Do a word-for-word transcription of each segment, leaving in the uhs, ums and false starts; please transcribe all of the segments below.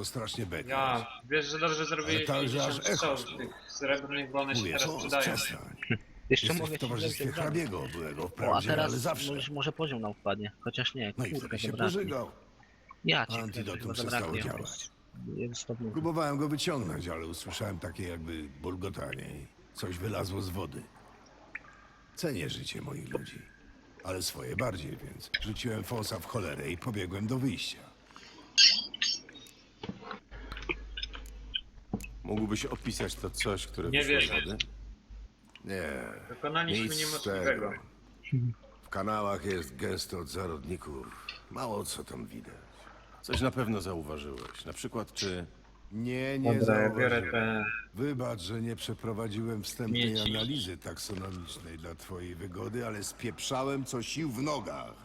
zaczął strasznie bekać. Ja, wiesz, że dobrze zrobiłeś Ale także aż pięćdziesiąt echo strzałów tych srebrnych, bo one się Mówię, teraz co? przydają. Przestań. Jeszcze Jesteś mogę w ci towarzystwie wziąć egzamin. hrabiego byłego O, a wprawdzie, ale teraz zawsze. może, może poziom nam wpadnie. Chociaż nie, No i kurka, wtedy się zabraknie. pożygał. Ja cię Antidotum chyba przestało zabraknie. działać. Jest to mówię. Próbowałem go wyciągnąć, ale usłyszałem takie jakby bulgotanie i coś wylazło z wody. Cenię życie moich ludzi, ale swoje bardziej, więc rzuciłem fosa w cholerę i pobiegłem do wyjścia. Mógłbyś opisać to coś, które Nie wyszło z wierzę. wody? Nie, Dokonaliśmy nic z niemożliwego. tego. W kanałach jest gęsto od zarodników. Mało co tam widać. Coś na pewno zauważyłeś. Na przykład, czy... Nie, nie Dobra, ja biorę zauważyłem. te... Wybacz, że nie przeprowadziłem wstępnej Mieci. analizy taksonomicznej dla twojej wygody, ale spieprzałem co sił w nogach.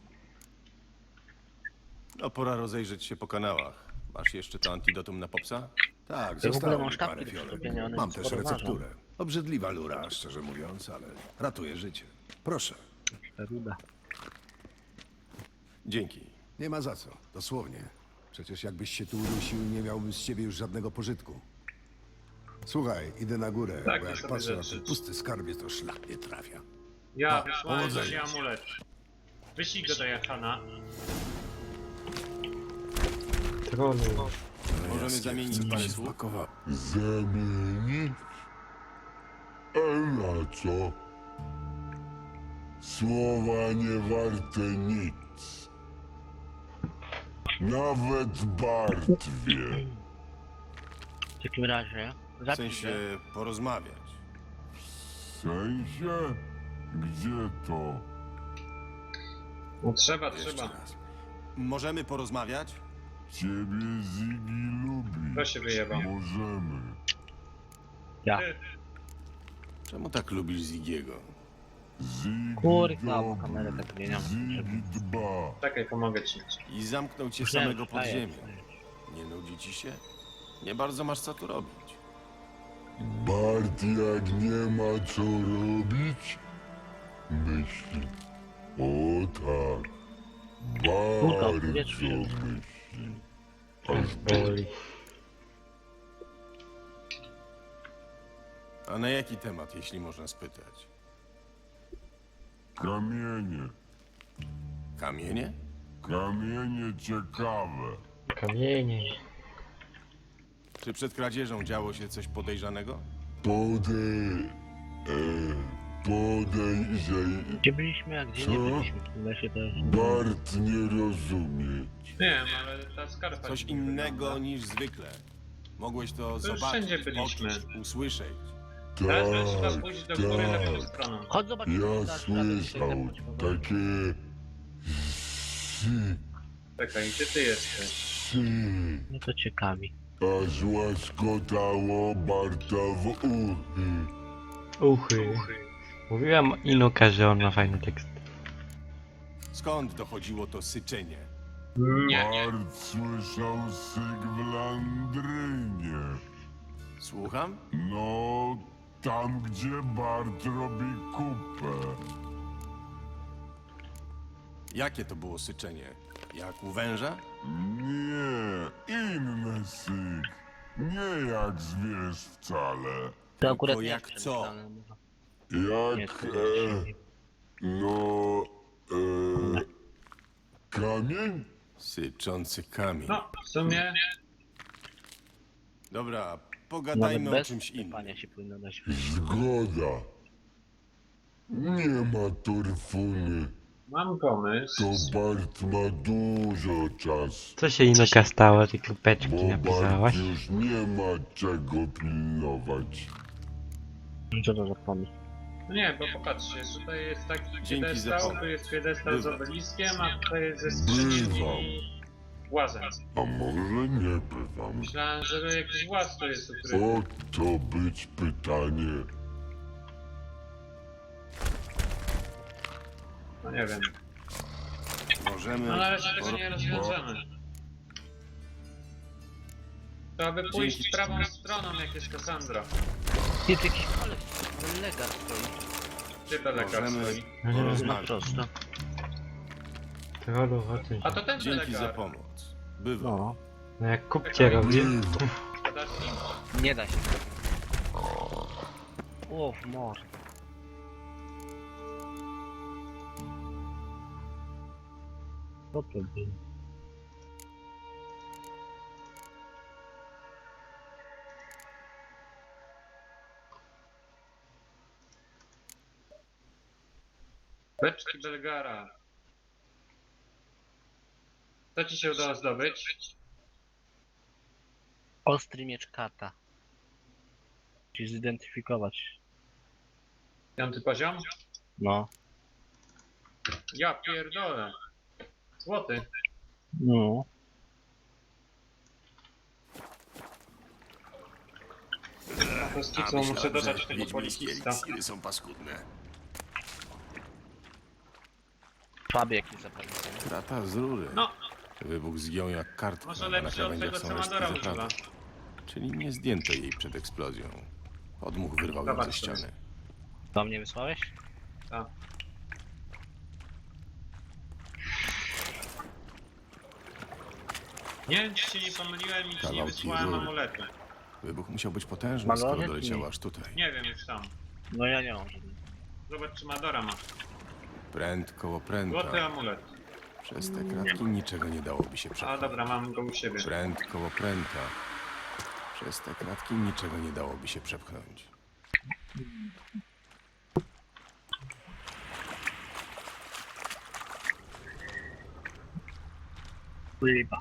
No, pora rozejrzeć się po kanałach. Masz jeszcze to antidotum na popsa? Tak, Ja w ogóle zostało mam mi sztabki parę do fiolek. przyczepienia, one Mam nic też sporo ważą. recepturę. Obrzydliwa lura, szczerze mówiąc, ale ratuje życie. Proszę, Ruda. Dzięki. nie ma za co, dosłownie. Przecież jakbyś się tu udusił, nie miałbym z ciebie już żadnego pożytku. Słuchaj, idę na górę, Tak, bo to jak sobie patrzę na rzeczy. ten pusty skarbie, to szlak nie trafia. Ja, No, wysłałem powodzenia. ci amulet. Wyślij go do Jachana. Możemy zamienić parę słów? Smakowało. Zamienić? A na co? Słowa nie warte nic. Nawet Bart wie. W takim razie W zapisz, sensie że porozmawiać. W sensie? Gdzie to? No trzeba, Jeszcze trzeba. raz. Możemy porozmawiać? Ciebie Ziggy lubi. Kto się wyjebał? Możemy. ja. Ty, Czemu tak lubisz Zigiego? Ziggy Kurka, bo dobry. kamerę tak zmieniam. Ziggy dba. czekaj, pomogę ci. I zamknął cię Nie, samego pod wstaję, ziemię. wstaję. Nie nudzi ci się? Nie bardzo masz co tu robić. Bart jak nie ma co robić, myśli. O tak. Kurka, Bardzo powietrze. myśli. Aż boli. A na jaki temat, jeśli można spytać? Kamienie. Kamienie? Kamienie ciekawe. Czy przed kradzieżą działo się coś podejrzanego? Podej... E, podejrzej... Gdzie byliśmy, a gdzie nie Co? byliśmy? W tym lesie też. Bart nie rozumieć. Wiem, ale ta skarpa... Coś ci nie innego wygląda. niż zwykle. Mogłeś to, już zobaczyć, wszędzie byliśmy. poczuć, usłyszeć. Teraz by trzeba Tak, pójść do góry lewą tak. stroną. Chodź zobaczymy. Ja nasz tablet, słyszał tutaj powoli. takie... Si, Czekaj, gdzie ty jesteś? si. Mnie to ciekawi. Aż łaskotało Barta w uchy. Uchy. Mówiłam Inuka, że on ma fajny tekst. Skąd dochodziło to syczenie? Nie. Bart słyszał syk w Landrynie. Słucham? No, tam gdzie Bart robi kupę. Jakie to było syczenie? Jak u węża? Nie, inny syk. Nie jak zwierz wcale. To akurat nie jak jest co? przemyślane, może. Nie, Jak, to e, nie. no, e, kamień? Syczący kamień. No, w sumie... Dobra, Nawet pogadajmy o bez czymś innym. sypania się powinno dać. Zgoda. Nie ma torfuny. Mam pomysł. To Bart ma dużo czasu. Co się Inuka stało? Te kropeczki Bo Bart napisałaś? już nie ma czego pilnować. Co to za pomysł? No nie, bo popatrzcie, tutaj jest taki Dzięki za piedestał, pomoc. tu jest piedestał z Bywa. obeliskiem, a tutaj jest ze skrzynią Bywam. i łazem. A może nie bywam? Myślałem, że jakiś łaz tu jest ukryty. O to być pytanie. No nie wiem. Możemy... No na razie tego por- nie rozwiążemy. Trzeba by pójść Dzięki. prawą stroną, jak jest Kassandra. Jest jakiś koleś, legar stoi. Gdzie to lekarz Możemy stoi? Na porozmawiać. prosto. Trollu, o tym A to ten Dzięki za lekarz. pomoc. Bywa. No. No jak kupcie robi. Gadasz im? Nie da się. O, w morze. Co to było? Beczki Belgara. Co ci się udało zdobyć? Ostry miecz kata. Musisz zidentyfikować. Piąty poziom? No. Ja pierdolę. Złoty. No. Po prostu co muszę dodać tego policista. eliksiry są paskudne. Słaby jakiś zapalnik. Krata z rury. No, Wybuch zgiął jak kartka, może a na lepszy od krawędziach tego, są co resztki Madora używa. zaprawy. Czyli nie zdjęto jej przed eksplozją. Podmuch wyrwał ją ze Zobacz, to ściany. Do mnie wysłałeś? Tak. Nie wiem, czy się nie pomyliłem i czy nie Kawałki wysłałem rury. amuletu. Wybuch musiał być potężny, Malory? skoro doleciał Nie. aż tutaj. Nie wiem już tam. No ja nie mam żadnego. Zobacz, czy Madora ma. Pręt koło Złoty pręta. amulet. Przez te kratki niczego nie dałoby się A przepchnąć. dobra, mam go u siebie. Pręt koło pręta. Przez te kratki niczego nie dałoby się przepchnąć. Liba.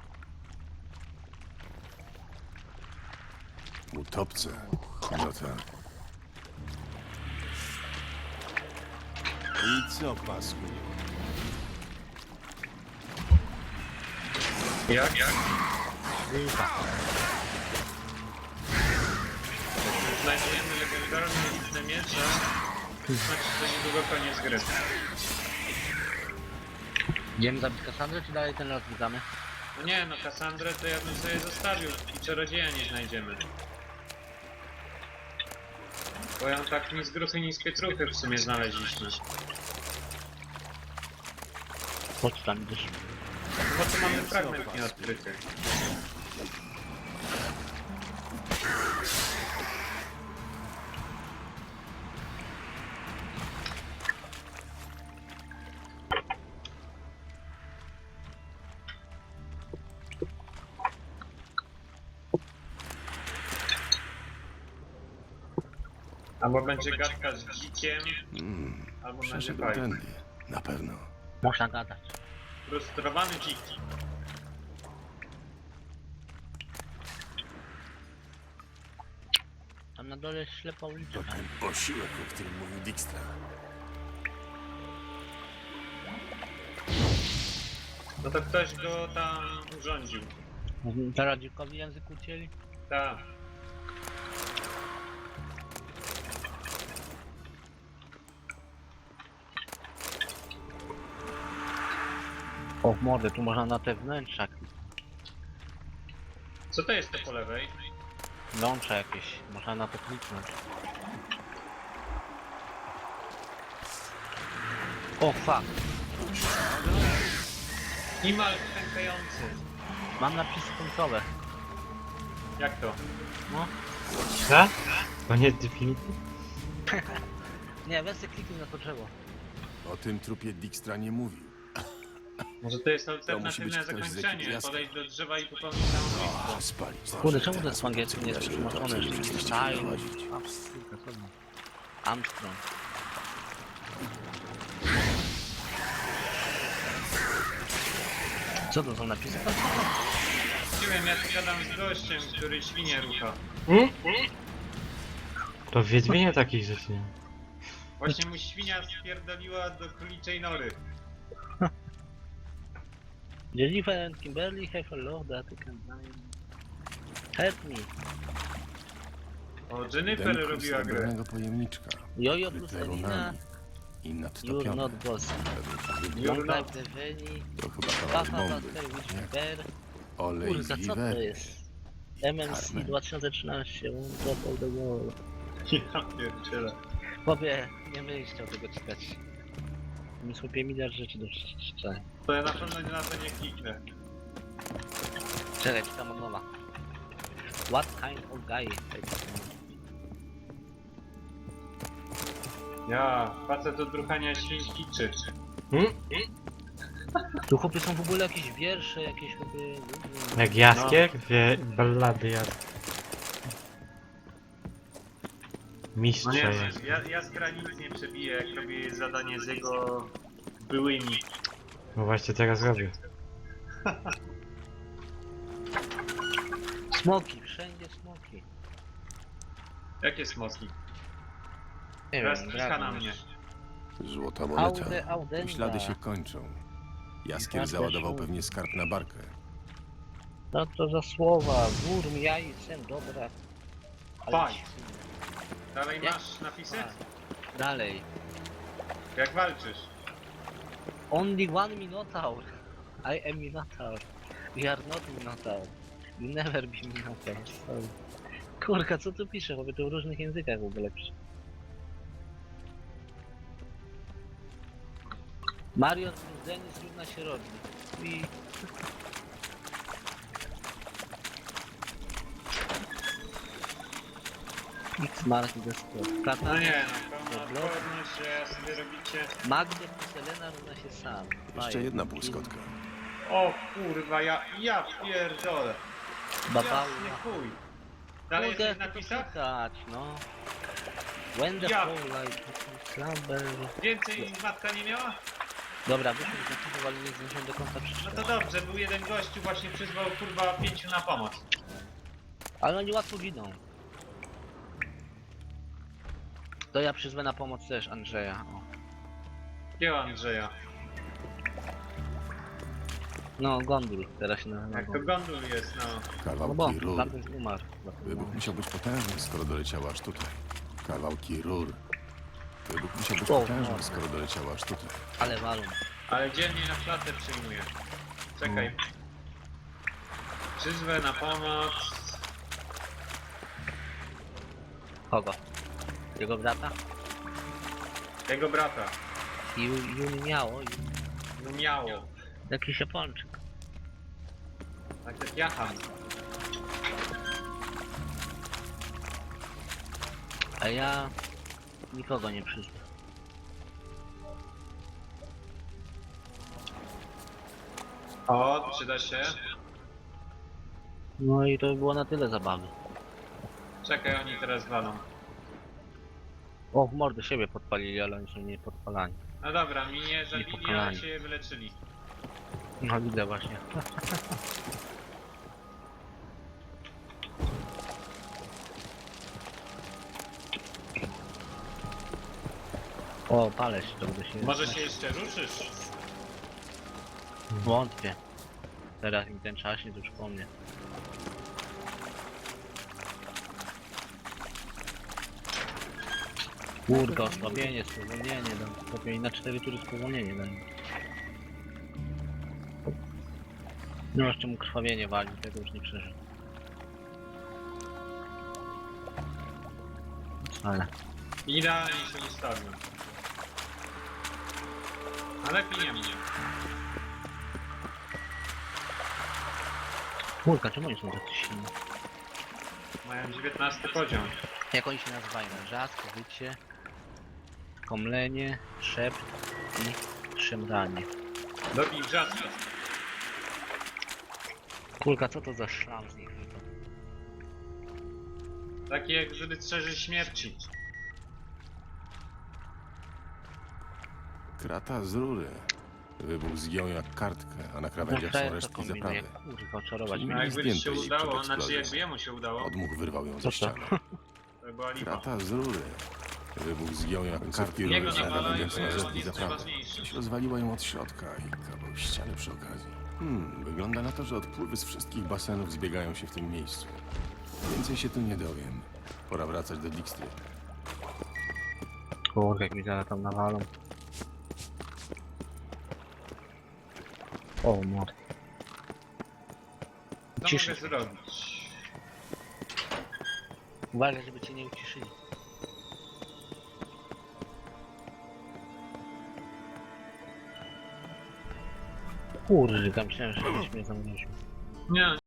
Utopce. No tak. I co, pasku? Jak? Jak? Znajdziemy legendarne liczne miecze. Znaczy, że niedługo koniec gry. Idziemy zabić Kassandrę, czy dalej ten las zwiedzamy? No nie, no Kassandrę to ja bym sobie zostawił i czarodzieja nie znajdziemy. Bo ją tak ni z gruchy, ni z pietruchy w sumie znaleźliśmy. Chodź tam idziesz. Bo tu mamy fragment nieodkryty. Albo będzie gadka z dzikiem, Mm, albo będzie przeszedł fajnie. tędy. Na pewno. Można gadać. Frustrowany dzik. Tam na dole jest ślepa ulica. To ten osiłek, o którym mówił Dijkstra. No to ktoś go tam urządził. Teraz dzikowi język ucięli? Tak. O mordy, tu można na te wnętrza. Co to jest to po lewej? Łącza jakieś, można na to kliknąć. O fuck, Imal pękający. mam napisy końcowe. Jak to? No, Co? Koniec definicji? nie, weź sobie kliknij na to drzewo. O tym trupie Dijkstra nie mówił. Może to jest To musi alternatywne być ktoś z ekipy zakończenie. Jaskra. Podejść do drzewa i popełnić samobójstwo. O, spalić. Kurde, czemu to jest po angielsku nie jest przetłumaczone? Przestaliście Daj, prowadzić. Armstrong. Co to są napisy? Nie wiem, ja tu gadam z gościem, który świnie rucha. To w Wiedźminie takich rzeczy nie. Właśnie mu świnia spierdoliła do króliczej nory. Jennifer and Kimberly have a law that you can buy. Help me. O, Jennifer Denko robiła grę. srebrnego pojemniczka. Jojo plus Kryte Elina. runami. I You're nadtopione. not boss. Według You're Long not. life the Veni. To chyba kawałek Papa bomby. Buster Witch Nie? Bear. Olej Kurka, z co to wiwery. jest? M M C Carmen. dwa tysiące trzynaście, One Top of the Wall. Ja pierdzielę. Chłopie, nie będę chciał tego czytać. Mi chłopie miliard rzeczy do przeczytania. To ja na pewno na to nie kliknę. Czekaj, czytam od nowa. What kind of guy? Ja, facet od ruchania świński czy? Hmm? Tu chłopie są w ogóle jakieś wiersze, jakieś chłopie... Jak Jaskier? Wie, ballady Jaskier. Mistrze No nie, jest. ja, Jaskra nic nie przebije, jak robię zadanie z jego byłymi. No właśnie teraz robię. Smoki, wszędzie smoki. Jakie smoki? Nie Teraz wiem, kicha na dragon. mnie. Złota moneta. Aude, audenda. Ślady się kończą. Jaskier Bardzo załadował się- pewnie skarb na barkę. No to za słowa, wór mi jaj, sen dobra. Faj. ci- Dalej Jak? masz napisy? A, dalej. Jak walczysz? Only one Minotaur. I am Minotaur. We are not Minotaur. You never be Minotaur. Sorry. Kurka, co tu pisze? Bo to w różnych językach w ogóle pisze. Marion plus Denis równa się robi. I... X mark the spot. No Katana. nie, no pełna odporność, że ja sobie robicie... Magdy plus Elena równa się sam. Jeszcze Fire. jedna półskotka. O kurwa, ja, ja pierdolę. Babały. Jasny chuj. Dalej Kurde, jesteś w jak to napisach? szukać, no. When the Ja. fall light slumber... Więcej matka nie miała? Dobra, byśmy z napisów, ale nie zdążyłem do końca No przeczytać. to dobrze, był jeden gościu właśnie przyzwał kurwa pięciu na pomoc. Ale oni łatwo giną. To ja przyzwę na pomoc też Andrzeja. O. Gdzie Andrzeja? No, Gondul teraz się nazywa. Jak to gondol jest, no. No bo, Kawałki rur. tamten umarł. Wybuch musiał być potężny, skoro doleciał aż tutaj. Kawałki rur. Wybuch musiał być O, potężny, no. skoro doleciał aż tutaj. Ale walą. Ale dzielnie na klatę przyjmuje. Czekaj. Przyzwę na pomoc. Kogo? Jego brata? Jego brata. Ju, Jun miało. No miało. Jakiś Japończyk. Tak jak Jahan. A ja... nikogo nie przyzwę. O, przyda się. No i to by było na tyle zabawy. Czekaj, oni teraz walą. O, w mordę siebie podpalili, ale oni są nie podpalani. No dobra, mi nie zabili, ale pokonani. się wyleczyli. No widzę właśnie. O, palę się, to będę się... Może się jeszcze ruszysz? Wątpię. Teraz mi ten czas nie to już po mnie. Kurka, osłabienie, spowolnienie dam. Lepiej na cztery tury spowolnienie dam. No jeszcze mu krwawienie wali, tego już nie przeżył. Ale... Idealnie się ustawił. Ale lepiej nie mnie. Kurka, czemu oni są tacy silni? Mają dziewiętnasty poziom. Jak oni się nazywają? Rzask, wycie, komlenie, szept i szemranie. Dobij wrzaska. Kurka, co to za szlam z nich wypadł? Taki jak żeby strzeży śmierci. Krata z rury. Wybuch zgiął jak kartkę, a na krawędziach są frajer to resztki kombinuje, zaprawy. kurwa, oczarować Czyli mnie. No Mieli jakby ci się zdjęte jej udało, przed znaczy eksplozją. jakby jemu się udało, Odmuch wyrwał ją Co ze to? ściany. to była lipa. Krata z rury. Wybuch zgiął jak kartki Jego rury na nawalają, krawędziach bo są on resztki jest zaprawy. najważniejszy. Ktoś rozwaliła ją od środka i kawał ściany przy okazji. Hmm, wygląda na to, że odpływy z wszystkich basenów zbiegają się w tym miejscu. Więcej się tu nie dowiem. Pora wracać do Dijkstry. Kurka, jak mi zaraz tam nawalą. O, mord. Co Ciszy. mogę zrobić? Uważaj, żeby cię nie uciszyli. Kurde, tam myślałem, że ktoś mnie zamroził. Nie,